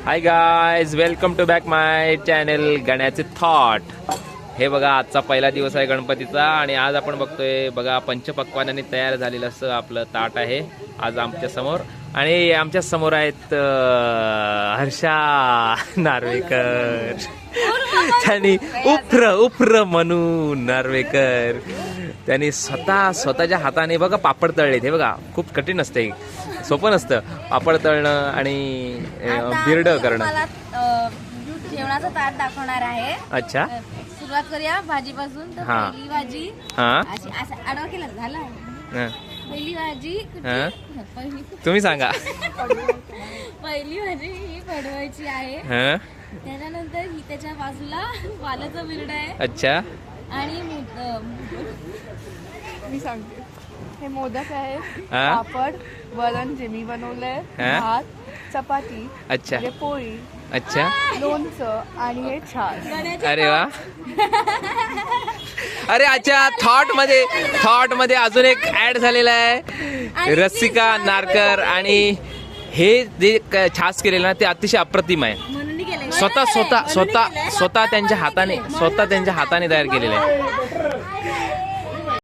High guys, welcome to back my channel गण्याचे thought. हे बघा, आजचा पहिला दिवस आहे गणपतीचा आणि आज आपण बघतोय बघा पंचपक्वान्नाने तयार झालेलं असं आपलं ताट आहे आज आमच्या समोर. आणि आमच्या समोर आहेत हर्षा नार्वेकर, त्यांनी उफ्र म्हणून नार्वेकर त्यांनी स्वतःच्या हाताने बघा पापड तळलेत. हे बघा, खूप कठीण असते, सोपं नसतं पापड तळणं आणि बिर्ड करणं. जेवणाचं ताट दाखवणार आहे. अच्छा, सुरुवात करूया भाजीपासून. तर पहिली भाजी आडवा केला झाला. पहिली भाजी तुम्ही सांगा. पहिली भाजी ही पडवायची आहे. त्याच्यानंतर ही त्याच्या बाजूला वालाचा बिरडा आहे. अच्छा, आणि मी सांगते, हे मोदक आहे, पापड, वरण जे मी बनवलंय, भात, चपाती, अच्छा, पोळी, अच्छा, लोणचं आणि हे छान. अरे वा. अरे अच्छा, थॉट मध्ये अजून एक ऍड झालेला आहे, रसिका नारकर. आणि हे जे छास केलेलं ना ते अतिशय अप्रतिम आहे. स्वतः त्यांच्या हाताने तयार केलेलं आहे.